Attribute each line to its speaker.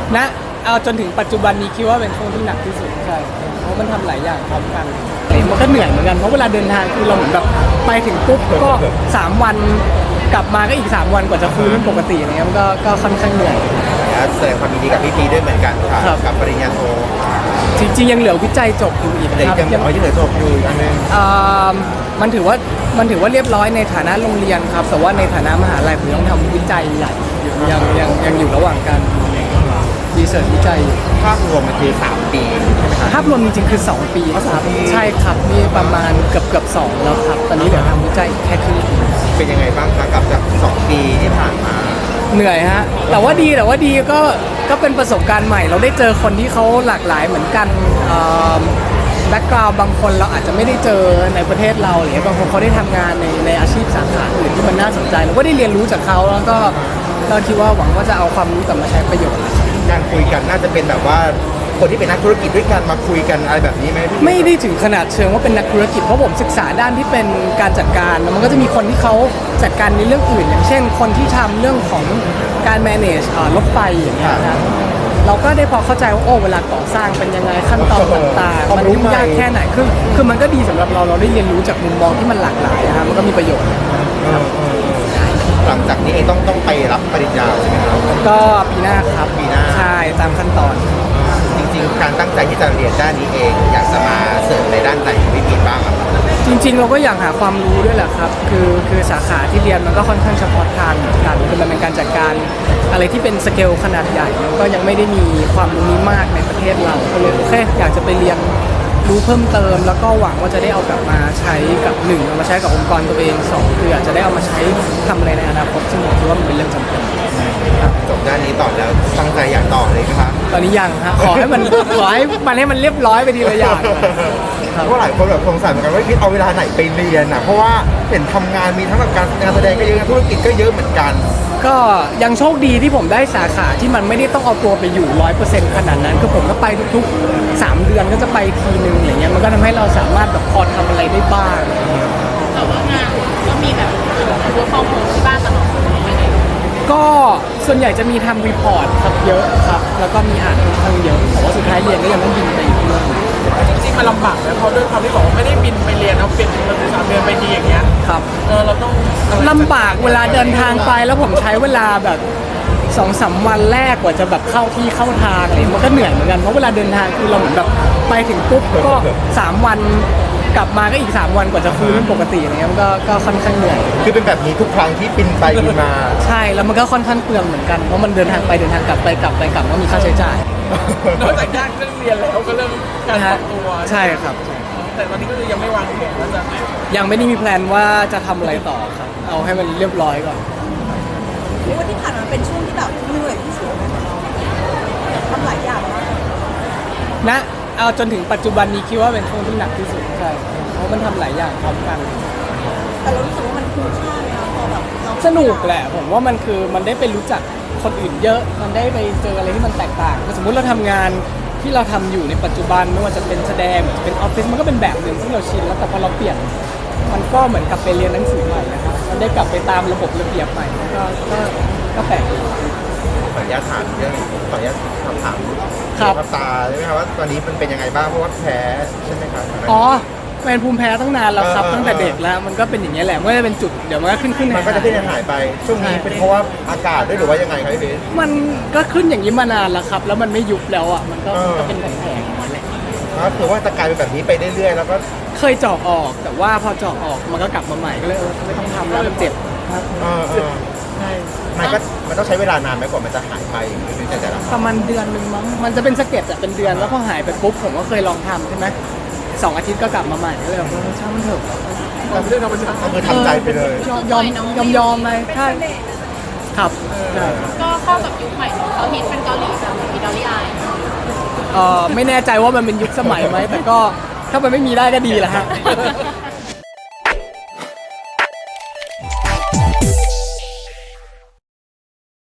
Speaker 1: ณเอาจนถึงปัจจุบันนี้คิดว่าเป็นช่วงที่หนักที่สุดใช่เพราะมันทำหลายอย่างพร้อมกันมันก็เหนื่อยเหมือนกันเพราะเวลาเดินทางคือเราเหมือนแบบไปถึงปุ๊บก็3 วันกลับมาก็อีก3 วันกว่าจะฟื้นเป็นปกติอะไรเงี้ยมันก็ค่อนข้างเหนื่อย
Speaker 2: แสดงความยินดีกับพี่พีด้วยเหมือนกันค่ะกับปริญญาโท
Speaker 1: จริงๆยังเหลือวิจัยจบอยู่อีกครับ
Speaker 2: ยังเหลือจบอยู่อันนึง
Speaker 1: มันถือว่าเรียบร้อยในฐานะโรงเรียนครับแต่ว่าในฐานะมหาลัยผมต้องทำวิจัยใหญ่ยังอยู่ระหว่างการรีเสิร์ชวิจัย
Speaker 2: ภาพรวมมันคือ3 ปีใช่ไหมครับ
Speaker 1: ภาพรวมจริงๆคือ2 ปีครับใช่ครับนี่ประมาณเกือบ2แล้วครับตอนนี้เดี๋ยวทำวิจัยแค่ครึ่งปี
Speaker 2: เป็นยังไงบ้างคะกับจาก2 ปีที่ผ่านมา
Speaker 1: เหนื่อยฮะแต่ว่าดีก็เป็นประสบการณ์ใหม่เราได้เจอคนที่เขาหลากหลายเหมือนกันแบ็กกราวด์บางคนเราอาจจะไม่ได้เจอในประเทศเราหรือบางคนเขาได้ทำงานในอาชีพสาขาอื่นที่มันน่าสนใจเราก็ได้เรียนรู้จากเขาแล้วก็คิดว่าหวังว่าจะเอาความรู้กลับมาใช้ประโยชน์
Speaker 2: การคุยกันน่าจะเป็นแบบว่าคนที่เป็นนักธุรกิจด้วยกันมาคุยกันอะไรแบบนี้ไหม
Speaker 1: ไม่ได้ถึงขนาดเชิงว่าเป็นนักธุรกิจเพราะผมศึกษาด้านที่เป็นการจัดการมันก็จะมีคนที่เขาจัดการในเรื่องอื่นอย่างเช่นคนที่ทำเรื่องของการ manage รถไฟอย่างเงี้ยนะเราก็ได้พอเข้าใจว่าเวลาก่อสร้างเป็นยังไงขั้นตอนต่างๆมันยุ่งยากแค่ไหนคือมันก็ดีสำหรับเราได้เรียนรู้จากมุมมองที่มันหลากหลายนะครับมันก็มีประโยชน์
Speaker 2: หลังจากนี้เองต้องไปรับปริญญาใช่ไหมครับ
Speaker 1: ก็ปีหน้าครับ
Speaker 2: ปีหน้า
Speaker 1: ใช่ตามขั้นตอน
Speaker 2: จริงๆการตั้งใจที่จะเรียนด้านนี้เองอยากจะมาเสริมในด้านไหนวิธีบ้างครับ
Speaker 1: จริงๆเราก็อยากหาความรู้ด้วยแหละครับคือสาขาที่เรียนมันก็ค่อนข้างเฉพาะทางเหมือนกันคือมันเป็นการจัดการอะไรที่เป็นสเกลขนาดใหญ่แล้วก็ยังไม่ได้มีความรู้นี้มากในประเทศเราก็เลยโอเคอยากจะไปเรียนรู้เพิ่มเติมแล้วก็หวังว่าจะได้เอากลับมาใช้กับ1เอามาใช้กับองค์กรตัวเอง2คืออาจจะได้เอามาใช้ทำอะไรในอนาคตซึ่งผมคิดว่ามันเป็นเรื่องจำเป็น
Speaker 2: จบด้านนี้ต่อแล้วตั้งใจอยากต่อเลยครับ
Speaker 1: ตอนนี้ยังฮะขอให้มันเรียบร้อยไปทีละอย่าง
Speaker 2: เพราะหลายคนแบบสงสัยเหมือนกันว่าเอาเวลาไหนไปเรียนเพราะว่าเห็นทำงานมีทั้งแบบการแสดงก็เยอะธุรกิจก็เยอะเหมือนกัน
Speaker 1: ก็ยังโชคดีที่ผมได้สาขาที่มันไม่ได้ต้องเอาตัวไปอยู่ 100% ขนาดนั้นคือผมก็ไปทุกๆ3 เดือนก็จะไปทีนึงอย่างเงี้ยมันก็ทำให้เราสามารถแบบพอทำอะไรได้บ้าง
Speaker 3: แต่ว่างานก็มีแบบwork from homeที่บ้านตลอด
Speaker 1: ก็ส่วนใหญ่จะมีทำรีพอร์ตครับเยอะครับแล้วก็มีอ่านค่อนข้างเยอะแต่ว่าสุดท้ายเรียนก็ยังต้องบินไปอีกเรื่อง
Speaker 4: จริงๆมันลำบากนะเพราะด้วยความที่บอกว่าไม่ได้บินไปเรียนเอาเป็น3 เดือนไปทีอย่างเงี้ย
Speaker 1: ครับ
Speaker 4: เราต้อง
Speaker 1: ลำบากเวลาเดินทางไปแล้วผมใช้เวลาแบบ2-3 วันแรกกว่าจะแบบเข้าที่เข้าทางอะไรมันก็เหนื่อยเหมือนกันเพราะเวลาเดินทางคือเราเหมือนแบบไปถึงปุ๊บก็3 วันกลับมาก็อีก3 วันกว่าจะฟื้นเป็นปกติอะไรเงี้ยมันก็ค่อนข้างเหนื่อย
Speaker 2: คือเป็นแบบนี้ทุกครั้งที่บินไปบินมา
Speaker 1: ใช่แล้วมันก็ค่อนข้างเปลืองเหมือนกันเพราะมันเดินทางไปเดินทางกลับไปกลับก็มีค่าใช้จ่าย
Speaker 4: นอกจากยากเรื่องเรียนแล้วก็เริ่มการปรับตัว
Speaker 1: ใช่ครับ
Speaker 4: แต่ตอนนี้ก็คือยังไม่วางแผนว่าจะ
Speaker 1: ยังไม่ได้มีแพลนว่าจะทำอะไรต่อครับเอาให้มันเรียบร้อยก่อน
Speaker 3: ว่าที่ผ่านมาเป็นช่วงที่แบบเหนื่อยที่สุดของเราทำหลายอย่างมาก
Speaker 1: นะเอาจนถึงปัจจุบันนี้คิดว่าเป็นช่วงที่หนักที่สุดใช่เพราะมันทำหลายอย่างพร้อมกัน
Speaker 3: แต่เรารู้สึกว่ามันคุ้มค่าเลยนะพอแบบ
Speaker 1: สนุกแหละผมว่ามันได้ไปรู้จักคนอื่นเยอะมันได้ไปเจออะไรที่มันแตกต่างสมมุติเราทำงานที่เราทำอยู่ในปัจจุบันไม่ว่าจะเป็นแสดงเป็นออฟฟิศมันก็เป็นแบบหนึ่งที่เราชินแล้วแต่พอเราเปลี่ยนมันก็เหมือนกับไปเรียนหนังสือใหม่นะครับมันได้กลับไปตามระบบระเบียบใหม่ก็แปลก
Speaker 2: ขออนุญาตถามเรื่องขออนุญาตถามตาใช่ไหมครับว่าตอนนี้มันเป็นยังไงบ้างเพราะว่าแพ้ใช่ไหมครับ
Speaker 1: อ๋อเป็นภูมิแพ้ตั้งนานแล้วครับตั้งแต่เด็กแล้วมันก็เป็นอย่างนี้แหละไม่ได้เป็นจุดเดี๋ยวมันก็ขึ้น
Speaker 2: มันก็จะขึ้นหายไปช่วงนี้เป็นเพราะว่าอากาศด้วยหรือว่ายังไงครับพี่เบส
Speaker 1: มันก็ขึ้นอย่างนี้มานานแล้วครับแล้วมันไม่ยุบแล้วอ่ะมันก็เป็นแผลๆนั่นแหละ
Speaker 2: คือว่าจะกลายเป็นแบบนี้ไปเรื่อยๆแล้วก็
Speaker 1: เคยเจาะออกแต่ว่าพอเจาะออกมันก็กลับมาใหม่ก็เลยไม่ต้องทำแล้วมันเจ็บครับ
Speaker 2: ใช่มันต้องใช้เวลานานไหมกว่ามันจะหายไป
Speaker 1: ประมาณเดือนนึงมั้งมันจะเป็นสะเก็ดเป็นเดือนแล้วพอหายไปปุ๊บผมก็เคยลองทำใช่ไหม2 อาทิตย์ก็กลับมาใหม่ก็เลยช่างมันเถอะ
Speaker 4: เรื่องธรรมชาติ
Speaker 2: คือทำใจไปเลย
Speaker 1: ยอมเลยใช่ครับ
Speaker 3: ก็เข้ากับยุคใหม่เขาฮิตเป็นเกาหลีแบบมีดอลลี่อาย
Speaker 1: ไม่แน่ใจว่ามันเป็นยุคสมัยไหมแต่ก็ถ้ามันไม่มีได้ก็ดีแหละฮะ